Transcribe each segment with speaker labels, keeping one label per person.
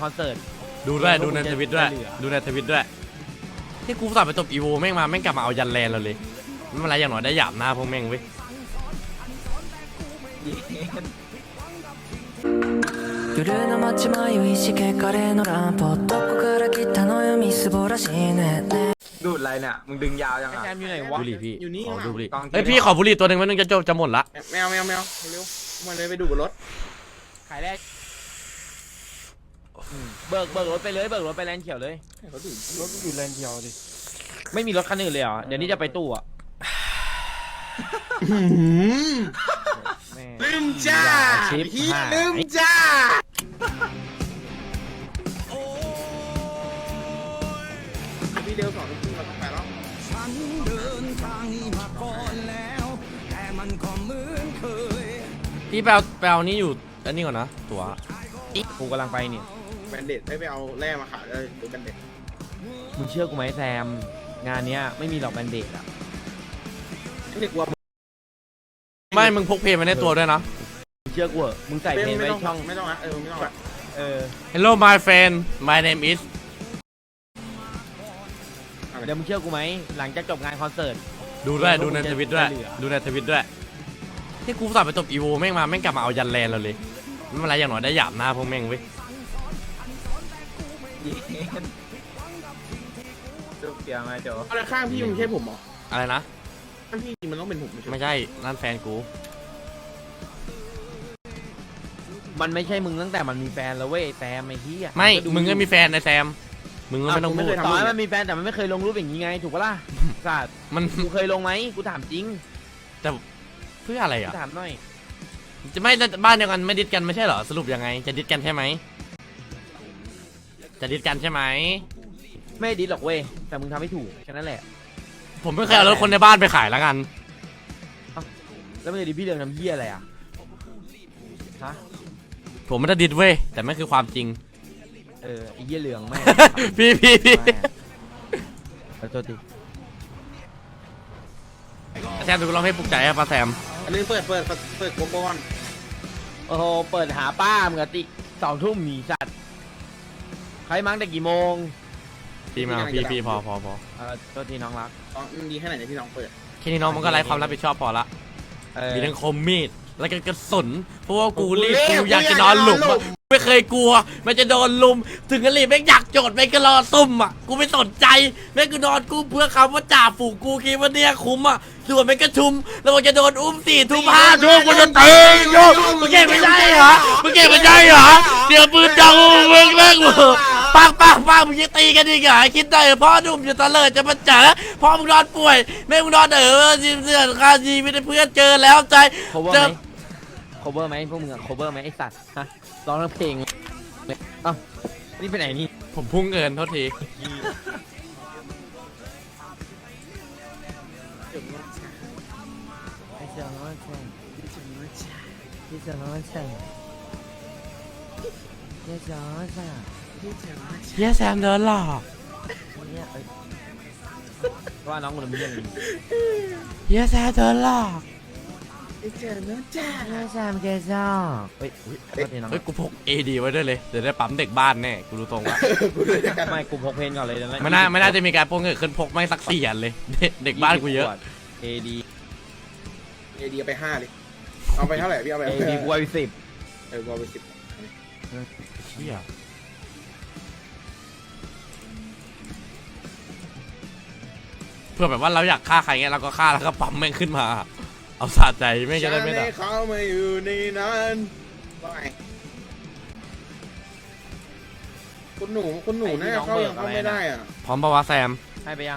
Speaker 1: คอนเสิร์ต
Speaker 2: ดูด้วยดูในทวิตด้วยดูในทวิตด้วยที่กูสั่งไปตบอีโวแม่งมาแม่งกลับมาเอายันแลนเราเลยไม่เป็นไรอย่างน้อยได้หยาบหน้าพวกแม่งเว้ย
Speaker 3: 夜の街迷いしけカレーのランプどこから来たのよみすぼらしいね
Speaker 4: ดูดอะไรเนี่ยมึงดึงยาวยัง
Speaker 1: ไอ้
Speaker 4: อ่ะ
Speaker 1: แซมอยู่ไหนวะ
Speaker 2: บุหรี่พี่
Speaker 4: อยู่นี่
Speaker 2: ขอดูบุหรี่
Speaker 4: กองกิน
Speaker 2: เฮ้ยพี่ขอบุหรี่ตัวหนึ่งมันนึงจะหมดละ
Speaker 4: แมวเร็วมาเลยไปดูบนรถ
Speaker 1: ขายแรกเบิกรถไปเลยเบิกรถไปแลนด์เขียวเลย
Speaker 4: เขาดูรถอยู่เลนเดียวดิ
Speaker 1: ไม่มีรถคันอื่นเลยเหรอเดี๋ยวนี้จะไปตู้อ่ะแม่
Speaker 4: ลืมจ้า
Speaker 1: ชิป
Speaker 4: พี่
Speaker 1: หาย
Speaker 4: ลืมจ้า พี่เร็ว2 ทุ่มเราต้องไปแล้ว
Speaker 2: พี่ไปเอานี่อยู่อันนี้ก่อนนะตัว
Speaker 1: กูกำลังไปเนี่ย
Speaker 4: แบนเด็ดไปเอาแร่มาขายเลยดูแบนเด็ด
Speaker 1: มึงเชื่อกูไหมแซมงานเนี้ยไม่มีหรอกแบนเด็กอ่ะ
Speaker 4: ไม่ได้กลัว
Speaker 2: ไม่มึงพกเพลงมาในตัวด้วยนะ
Speaker 1: มึงเชื่อกูเหอะมึงใส่เพลงไว้ช่อง
Speaker 4: ไม่ต้องนะไม่ต้องนะ
Speaker 2: Hello my friend my name is
Speaker 1: เดี๋ยวมึงเชื่อกูไหมหลังจากจบงานคอนเสิร์ต
Speaker 2: ดูด้วยดูในทวิตด้วยดูในทวิตด้วยที่กูสั่งไปตบอีโวแม่งมาแม่งกลับมาเอายันแลนเราเลยไม่เป็นไรอย่างน้อยได้หยาบหน้าพวกแม่งเว้ย
Speaker 4: ดูเปียมาโจอะไรข้างพี่มันไม่ใช่ผมหรอ
Speaker 2: อะไรนะ
Speaker 4: ข้างพี่มันต้องเป็นผม
Speaker 2: ไม่ใช่นั่นแฟนกู
Speaker 1: มันไม่ใช่มึงตั้งแต่มันมีแฟนแล้วเว้ยแซมไอ้เหี้ย
Speaker 2: ไม่
Speaker 1: ดู
Speaker 2: มึงก็มีแฟนนะแซมมึงก็ไม่ต้องพูด
Speaker 1: ต่อให้มันมีแฟนแต่มันไม่เคยลงรูปอย่างนี้ไงถูกปะล่ะสัตว์
Speaker 2: มัน
Speaker 1: กูเคยลงไหมกูถามจริง
Speaker 2: แต่เพื่ออะไร
Speaker 1: กู
Speaker 2: อ่ะ
Speaker 1: ถามหน่อย
Speaker 2: จะไม่บ้านเดียวกันไม่ดิดกันไม่ใช่เหรอสรุปยังไงจะดิดกันใช่ไหมจะดิดกันใช่ไหม
Speaker 1: ไม่ดิสหรอกเว้ยแต่มึงทำให้ถูกแค่นั้นแหละ
Speaker 2: ผมไม่เคยเอารถคนในบ้านไปขายแล้วกัน
Speaker 1: แล้วมึงจะดิสพี่เรื่องทำเหี้ยอะไรอ่ะฮะ
Speaker 2: ผมไม่ได้ดิดเว้ยแต่ไม่คือความจริง
Speaker 1: ไอ้เหี้ยเหลืองแม่ง
Speaker 2: พี่
Speaker 1: ขอโทษที
Speaker 2: แซมดูเราให้ปลุกใจครับป้าแซม
Speaker 4: อันนี้เปิดโกโก้อน
Speaker 1: โอ้โหเปิดหาป้ามึงกะติ2 ทุ่มหนีสัตว์ใครมั้งแต่กี่โมง
Speaker 2: พี่มาพี่พอ
Speaker 1: โทษทีน้องรัก
Speaker 4: มันดีแค่ไหนเนี่ยพี่น้องเปิด
Speaker 2: แค่นี้น้องมันก็ไร้ความรับผิดชอบพอละมีทั้งคมมีดแล้วก็กระสุนเพราะว่ากูรีบกูอยากจะนอนหลุมอะไม่เคยกลัวมันจะโดนลุมถึงกะรีบแม่งอยากโจดแม่งก็รอซุ่มอ่ะกูไม่สนใจแม่งกูนอนกูเพื่อคำว่าจ่าฝูงกูคิดว่าเนี่ยคุ้มอ่ะส่วนแม่งก็ชุมแล้วมันจะโดนอุ้ม4 ทุ่ม5 ทุ่มกูจะตีโยกมึงเก่งไม่ได้เหรอมึงเก่งไม่ได้เหรอเดี๋ยวปืนจังมึงแม่งปังมึงจะตีกันดีกว่าคิดได้พ่อหนุ่มจะตะเลิดจะมาจ๋าพ่อมึงนอนป่วยแม่มึงนอนจีบเสื้อคาจีไม่ได้เพื่อนเจอแล้วใจ
Speaker 1: cover ไหมพวกมึงอะ cover ไหมไอสัตว์ฮะร้องทั้งเพลงเลยเอ้านี่ไปไหนนี่
Speaker 2: ผมพุ่งเงินโทษทีเฮียแซมเดินหลอก
Speaker 1: ว่าน้องคนนี้ยัง
Speaker 2: เฮียแซมเดินหลอก
Speaker 1: แซมเกจ้าเฮ้ยโทษทีน้อง
Speaker 2: เฮ้ยกูพก AD ไว้ด้วยเลยเดี๋ยวได้ปั๊มเด็กบ้านแน่กูรู้ตรงว่า
Speaker 1: ไม่กูพกเพนก่อนเลยนะ
Speaker 2: ไม่น่าจะมีการพกเงินขึ้นพกไม่สัก4 อันเลยเด็กบ้านกูเยอะ
Speaker 1: AD
Speaker 4: ไป5เลยเอาไปเท่าไหร่พี่เอาไป
Speaker 1: AD กูไป10
Speaker 4: กูเอาไป10
Speaker 2: เชี่ยเพื่อแบบว่าเราอยากฆ่าใครเงี้ยเราก็ฆ่าแล้วก็ปั๊มแม่งขึ้นมาเอาสะใจไม่จะได้ไม่ได้
Speaker 4: เขามาอยู่ในนั้นว่าไงคุณหนูน่าเข้ายังเข้าไม่ได้อ่ะ
Speaker 2: พร้อมปะวะแซม
Speaker 1: ให้ไปยัง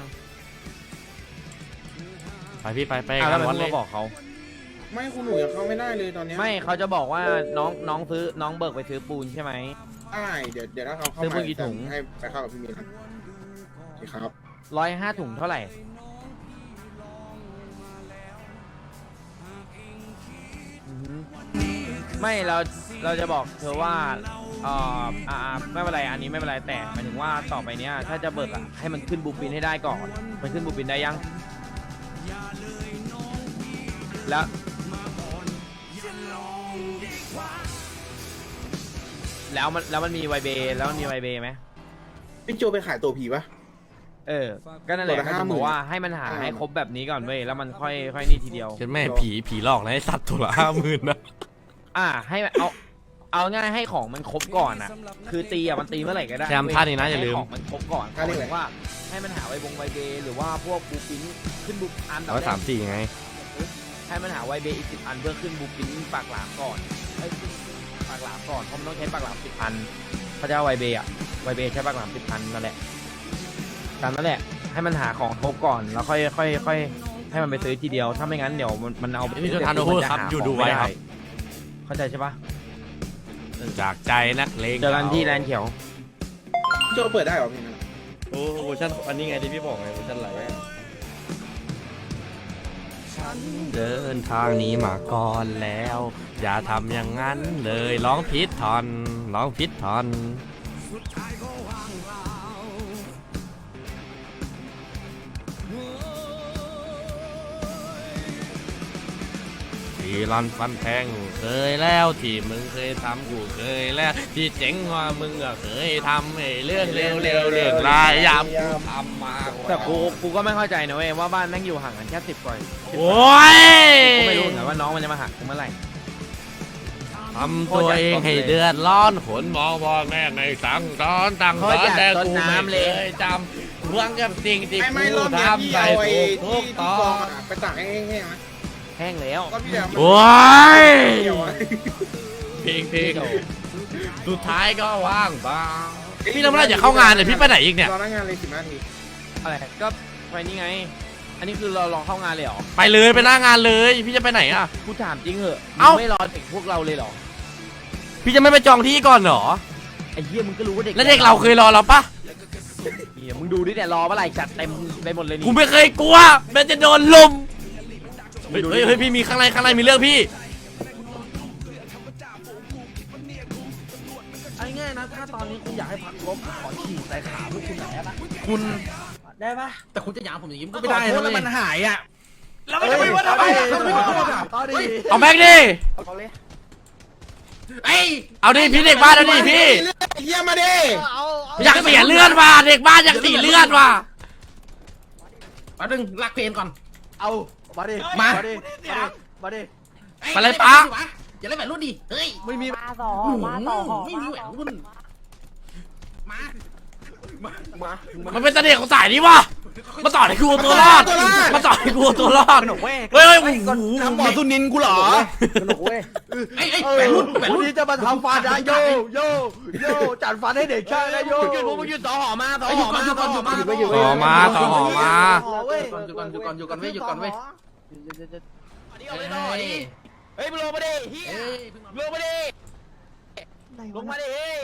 Speaker 2: ไปพี่ไป
Speaker 1: แล้ว
Speaker 2: วั
Speaker 1: มั
Speaker 2: ด
Speaker 1: น
Speaker 2: เล
Speaker 1: มาย บอกเขา
Speaker 4: ไม่คุณหนูยังเข้าไม่ได้เลยตอนนี้
Speaker 1: ไม่เขาจะบอกว่าน้องซื้อน้องเบิกไปซื้อปูนใช่ไหม
Speaker 4: ได้เดี๋ยวถ้าเขาเข้า
Speaker 1: ซื้อ
Speaker 4: มา
Speaker 1: ปืนกี่ถุง
Speaker 4: ให้ไปเข้ากับพี่มีนครับ
Speaker 1: 105 ถุงเท่าไหร่ไม่เราจะบอกเธอว่าไม่เป็นไรอันนี้ไม่เป็นไรแต่หมายถึงว่าต่อไปเนี้ยถ้าจะเบิกให้มันขึ้นบูปินให้ได้ก่อนมันขึ้นบูปินได้ยังแล้วมันมีไวเบแล้วมันมีไวเบไหม
Speaker 4: พี่โจไปขายตัวผีปะ
Speaker 1: ก็นั่นแหละ
Speaker 4: ตัวละ
Speaker 1: ก็ถึง
Speaker 4: 50,000
Speaker 1: บอกว่าให้มันหาให้ครบแบบนี้ก่อนเว้ยแล้วมันค่อยนี่ทีเดียว
Speaker 2: ฉันแม่ผีหลอกนะไอ้สัตว์ตัวละ50,000นะ
Speaker 1: ให้เอาง่ายให้ของมันครบก่อนอ่ะคือตีอ่ะมันตีเมื่อไหร่ก็ได้
Speaker 2: แซมท่านี้นะอย่าลืม
Speaker 1: ให้ของมันครบก่อนหมายถึงว่าให้มันหาไวเบหรือว่าพวกบูปินขึ้นบูอันดับแรก
Speaker 2: 134ไง
Speaker 1: ให้มันหาไวเบอีก10 อันเพื่อขึ้นบูปินปากหลามก่อนขึ้นปากหลามก่อนเพราะมันต้องใช้ปากหลาม10 อันเขาจะเอาไวเบใช้ปากหลาม10 อันนั่นแหละตามนั่นแหละให้มันหาของครบก่อนแล้วค่อยให้มันไปซื้อทีเดียวถ้าไม่งั้นเดี๋ยวมันเอา
Speaker 2: พี่โจทานโอเวอร์ครับอยู่ดูไว้ครับ
Speaker 1: เข้าใจใช่ปะ
Speaker 2: จากใจนักเลง
Speaker 1: เจอกันที่แลนด์เขียว
Speaker 4: พี่โจเปิดได้เหรอพี่นั่น
Speaker 5: โอ้เวอร์ชันอันนี้ไงที่พี่บอกไงเวอร์ชันไหล
Speaker 2: เดินทางนี้มาก่อนแล้ว อย่าทำอย่างนั้นเลยร้องผิดทอน ที่รันฟันแทงเคยแล้วที่มึงเคยทำกูเคยแล้วที่เจ๋งกว่ามึงก็เคยทำไอ้เรื่องเร็วเรื่องรายยามกูทำมา
Speaker 1: แต่กูก็ไม่เข้าใจนะเว้ยว่าบ้านแม่งอยู่ห่างกันแค่10 กว่า
Speaker 2: โอ้ย
Speaker 1: กูไม่รู้เหมือนกันว่าน้องมันจะมาหักกูเมื่อไหร่
Speaker 2: ทำตัวเองให้เดือดร้อนขนมองพ่อแม่ในสั่งสอนตั้งสอนแต่กูไม่เคยจำหวังกับสิ่งที่
Speaker 4: ไม่
Speaker 2: กู
Speaker 4: รอบเนี้ยพี่
Speaker 2: ทำไป
Speaker 4: เอาไอ้
Speaker 2: ถูก
Speaker 4: ที่
Speaker 2: ต้
Speaker 4: ก
Speaker 2: อ
Speaker 4: อง
Speaker 2: ง
Speaker 4: อะไปตากให้แห้งๆนะ
Speaker 1: แห้งแล้ว
Speaker 4: ก็พี่แล้ว
Speaker 2: โอ้ย
Speaker 4: เดี๋ยวอะ
Speaker 2: เพลงสุดท้ายก็ว่างเปล่าพี่เราไม่ได้จะเข้างานเนี่ยพี่ไปไหนอีกเนี่ย
Speaker 4: รอหน้างานเลย15 นาที
Speaker 1: อะไรก็ไปนี่ไง อันนี้คือเราลองเข้างานเลยเหรอ
Speaker 2: ไปเลยไปหน้างานเลยพี่จะไปไหนอ่ะ
Speaker 1: กูถามจริงเหอะ
Speaker 2: เอ้า
Speaker 1: มึงไม่รอเด็กพวกเราเลยเหรอ
Speaker 2: พี่จะไม่ไปจองที่ก่อนเหรอ
Speaker 1: ไอ้เหี้ยมึงก็รู้ว่าเด็ก
Speaker 2: แล้วเด็กเราเคยรอเราปะ
Speaker 1: เหี้ยมึงดูดิเนี่ยรอเมื่อไหร่จัดเต็มไปหมดเลยนี่
Speaker 2: กูไม่เคยกลัวแม้จะโดนลุมเฮ้ยพี่มีข้างในมีเรื่องพี่
Speaker 5: ไอ้ง่ายนะถ้าตอนนี้คุณอยากให้พักลบขอฉี่ใส่ขาพวกคุณหน่อยได้ปะคุณได้ปะแต่คุณจะหยามผมอย่างนี้มันก็ไม่ได้นะแล้วมันหายอ่ะแล้วมันจะไม่ว่าทำไม
Speaker 2: เอาแม็กดิ เอาดิพี่เด็กบ้านเอาดิพี่
Speaker 4: เยี่ยมมาดิ
Speaker 2: อยากเสียเลือดว่ะเด็กบ้านอยากเสียเลือดว่ะ
Speaker 5: แป๊บนึงลักเพลงก่อนเอามาดิ
Speaker 2: มา
Speaker 5: มาดิมาดิ
Speaker 2: มาเลยป๊า
Speaker 5: อย่าเล่นแหวนรุ่นดิเฮ้ยไม่มี
Speaker 3: มาต่อ
Speaker 5: ไม่มีแหวนรุ่นมามา
Speaker 2: มันเป็นเสน่ห์ของสายนี้ว่ะมาต่อให้กูเอาตัวรอดมาต่อให้กูเอาตัวรอดเฮ้ยโอ้โห
Speaker 5: ทำหมอสุนินกูเหรอ
Speaker 1: สนุกเว้ย
Speaker 5: ไอ้แหวนรุ่นแหวนรุ่น
Speaker 6: ที่จะมาทำฟันนะโยจัดฟันให้เด็กช่างนะโย
Speaker 1: มึงหยุดต่อหอมาต่อ
Speaker 5: ห
Speaker 1: ห
Speaker 5: ยุ
Speaker 1: อ
Speaker 5: ดก่อนหยุดก่อนหยุดก่อน
Speaker 2: ต่อมาต่อหอมา
Speaker 5: หยุดก่อนหยุดก่อนหยุดก่อนเว้ยหยุดก่อนเว้ย
Speaker 1: เฮ้ยมึงลงมาดิเฮียลงมาดิลงมาดิเฮ้ย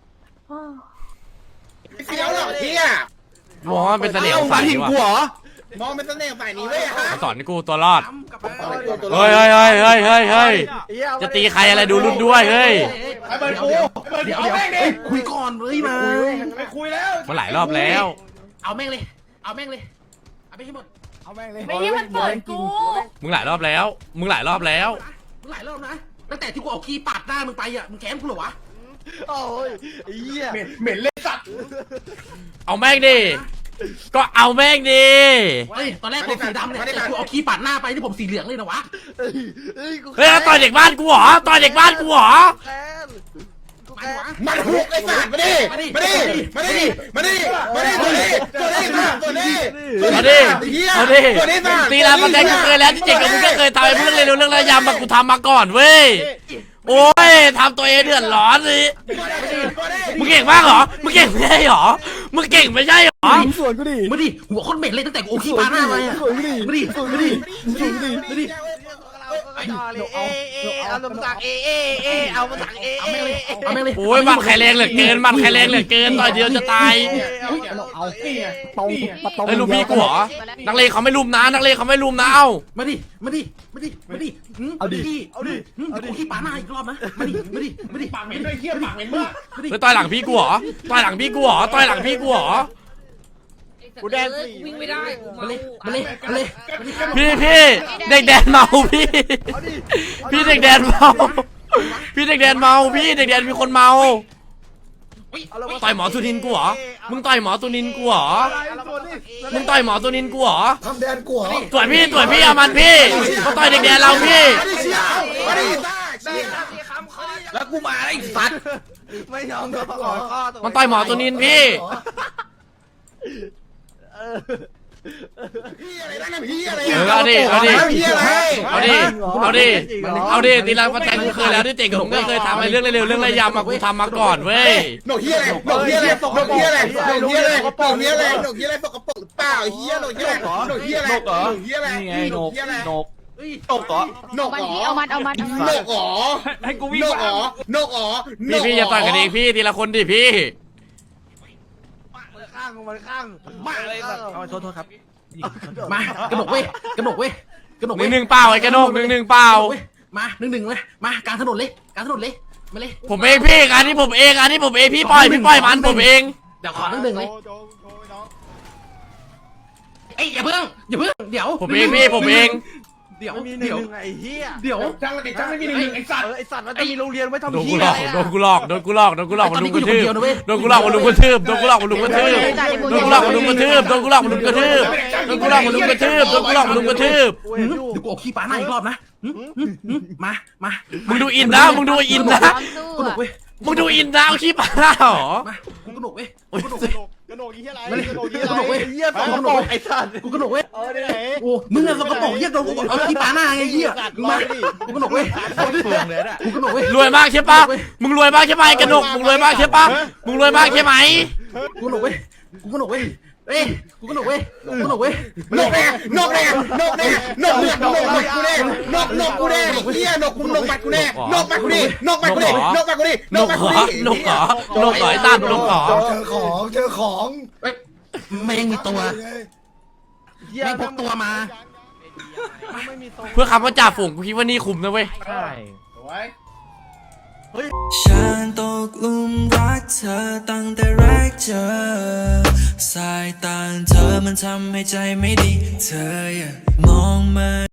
Speaker 4: เสียวหรอกเฮีย
Speaker 2: มองว่ามันเป็นเสน่ห์ของสายนี้ว่ะ
Speaker 4: มองเป็นเสน่ห์ฝ่ายนี้เว้ยฮะ
Speaker 2: มาสอนให้กูตัวรอด
Speaker 4: เฮ้
Speaker 2: เฮ้ยเฮ้ยเฮ้ยเฮ้ยเฮ้ยจะตีใครอะไรดูรุ่นด้วยเฮ้ย
Speaker 5: เดี๋ยวคุยก่อนเลยมา
Speaker 4: ไปคุยแล้ว
Speaker 2: มาหลายรอบแล้ว
Speaker 5: เอาแม่งเลยเอาแม่งเลยเอาไปให้หมด
Speaker 3: ไม่ใช่มันเปิดกู
Speaker 2: มึงหลายรอบแล้ว มึงหลายรอบแล้ว
Speaker 5: มึงหลายรอบนะตั้งแต่ที่กูเอาคีย์ปาดหน้ามึงไปอ่ะมึงแค้นกูเหรอวะ
Speaker 6: โอ้ยเหี้ย
Speaker 4: เหม็นเลยสัตว์
Speaker 2: เอาแม่งดิก็เอาแม่งดิ
Speaker 5: เฮ้ยตอนแรกผมสีดำเนี่ยแต่กูเอาคีย์ปาดหน้าไปที่ผมสีเหลืองเลยนะวะ
Speaker 6: เฮ้ย
Speaker 2: เฮ้ยต่อยเด็กบ้านกูเหรอต่อยเด็กบ้านกูเหรอ
Speaker 6: แค้นกู
Speaker 5: ไป
Speaker 6: แค้น
Speaker 5: วะ
Speaker 4: มันหุกไอ้สัตว์มาดิมาดิมาดิมาดิมาดิตัวนี้ตัวนี้ตัวนี้
Speaker 2: เอาดิเอาดิตีลาปันแดงกูเคยแล้วที่เจ๋งกับมึงก็เคยทำไอ้เรื่องเร็วเรื่องระยำมากูทำมาก่อนเว้ยโอ้ยทำตัวเองเดือดร้อนสิมึงเก่งมากเหรอมึงเก่งไม่ใช่เหรอมึงเก่งไม่ใช่เหรอ
Speaker 6: สวนกูดิ
Speaker 5: มาดิหัวคนเหม็นเลยตั้งแต่กูเอาคีย์ปาดหน้าไปอ่ะ
Speaker 6: สวนกูดิ
Speaker 5: มาดิมาดิ
Speaker 6: สวนกูดิ
Speaker 5: มาดิ
Speaker 6: เอาลำสักเอามาสัก
Speaker 5: เอาแม่งเลยเอาแม่งเลย
Speaker 2: โอ้ยมันแข็งแรงเหลือเกินมันแข็งแรงเหลือเกินต่อยเดียวจะตาย
Speaker 6: เอาตรงประตู
Speaker 2: เฮ้ยลูกพี่กูเหรอนักเลงเขาไม่ลุมนะนักเลงเขาไม่ลุมนะเอ้า
Speaker 5: มาดิมาดิมาดิมาดิเอาดิเอาดิเอาดิขี้ปาหน้าอีกรอบนะมาดิมาดิมาดิปากเหม็นด้วยเขี้ยวปากเหม็นมากมาดิ
Speaker 2: เฮ้ยต่อยหลังพี่กูเหรอต่อยหลังพี่กูเหรอต่อยหลังพี่กูเหรอ
Speaker 1: กูแดน
Speaker 3: วิ่งไม่ได้
Speaker 5: มาเลยมาเลยมาเลย
Speaker 2: พี่เด็กแดนเมาพี่พี่เด็กแดนเมาพี่เด็กแดนเมาพี่เด็กแดนมีคนเมาต่อยหมอสุนินกูเหรอมึงต่อยหมอสุนินกูเหรอมึงต่อยหมอสุนินกูเหรอ
Speaker 4: ทำแดนกูเหรอ
Speaker 2: ต่อยพี่เอามันพี่เขาต่อยเด็กแดนเราพี่
Speaker 4: มาดิ
Speaker 5: แล้วกูมาไอ้สัตว์
Speaker 6: ไม่ยอมโดนขอข้อตัว
Speaker 2: มันต่อยหมอสุนินพี่
Speaker 4: พี่อะไรนั่นน่ะพี่อะไร
Speaker 2: เอาดิ
Speaker 4: พี่อะไร
Speaker 2: เอาดิตีลังฟันแทงกูเคยแล้วด้วยเจ๋งผมก็เคยทำไอ้เรื่องเร็วๆเรื่องระยำมากูทำมาก่อนเว้ย
Speaker 4: หนกเฮียอะไรหนกเฮียอะไรหนกเฮียอะไรหนกเฮียอะไรหนกเฮียอะไรหนกเฮียอะไรสกปรกหรือเปล่าเฮียหนกเฮียอะไรหนกเฮียอะไรหนกเฮียอะไร
Speaker 6: นี่ไงนก
Speaker 4: เฮียอะไร
Speaker 6: นกตกเหรอ
Speaker 4: หนกเหรอ
Speaker 7: เอามัน
Speaker 4: หนกเหรอ
Speaker 6: ให้กูวิ่ง
Speaker 4: หนกเหรอหนกเหรอ
Speaker 2: พี่อย่าต่อยกันเองพี่ทีละคนดิพี่
Speaker 6: มันข้างมาเลยแบบ
Speaker 5: เอาโทษครับมากระหนกเว้ยกระหนกเว้ยกระหนก
Speaker 2: ห
Speaker 5: เว้ย
Speaker 2: นึ่งเปล่าไอ้กระโนกหนึ่งเปล่า
Speaker 5: มาหนึ่งเลยมากลางถนนเลยมาเลย
Speaker 2: ผมเองพี่อันนี้ผมเองพี่ปล่อยมันผมเอง
Speaker 5: เดี๋ยวขอหนึ่งเลยเอ้ยอย่าเพิ่งเดี๋ยว
Speaker 2: ผมเองพี่ผมเอง
Speaker 5: เดี๋ยว
Speaker 6: มีหนึ่งไอ้เหี้ย
Speaker 5: เดี๋ยว
Speaker 4: จังเลยจังไม่มีหนึ่งไอ้สัตว์
Speaker 6: ไอ้สัตว์มันจะมีโรงเรียนไว้ทำ
Speaker 2: โดนกู
Speaker 6: เหี้ย
Speaker 2: หลอก
Speaker 6: อะไร
Speaker 2: โดนกูหลอกมันลุมกระทืบโดนกูหลอกมันลุมกระทืบโดนกูหลอกมันลุมกระทืบโดนกูหลอกมันลุมกระทืบโดนกูหลอกมันลุมกระทืบโดนกูหลอกมันลุมกระทืบโดนกูหลอกมันลุมกระทืบ
Speaker 6: โอ้ย
Speaker 5: เดี๋ยวกูเอาขี้ปลาหน้าอีกรอบนะมา
Speaker 2: มึงดูอินนะมึงดูอินนะ
Speaker 5: กระหนกเว้ย
Speaker 2: มึงดูอินนะเอาขี้ปลาเหรอ
Speaker 5: มากูกระหนกเว้ย
Speaker 6: กระโดดยี่อะไรกระโดดยี่อะไรเหี้ยตกกระโดดไอ้สัตว์
Speaker 5: กูกระหนกเว้ย
Speaker 6: ได้ไหน
Speaker 5: โอ้มึงอะสกปรกเหี้ยโดนกูเอาขี้ปลาหน้าไงเหี้ยมากูกระหนกเว้ยกูกระหนกเว้ย
Speaker 2: รวยมากใช่ปะมึงรวยมากใช่ไหมกระหนกมึงรวยมากใช่ปะมึงรวยมากใช่ไหม
Speaker 5: กูกระหนกเว้ยกูกระหนกเว้ยเอ้ยกูกระหนกเว้ยกูกระหนกเว้ย
Speaker 4: นกแน่นกแน่นกแน่นกเลือดนกกูแน่นกกูแน่เฮียนกกูนกมัดกูแน่นกมัดกูดินกมัดกูดินกมัดกูดิ
Speaker 2: นกเหรอไอ้ตานนกเหรอ
Speaker 4: เจอของ
Speaker 5: แม่งมีตัวแม่งพกตัวมา
Speaker 2: เพื่อคำว่าจ่าฝูงกูคิดว่านี่คุ้มนะเว้ย
Speaker 1: ใช่
Speaker 3: ฉันตกหลุมรักเธอตั้งแต่แรกเจอสายตาเธอมันทำให้ใจไม่ดีเธออย่ามองมา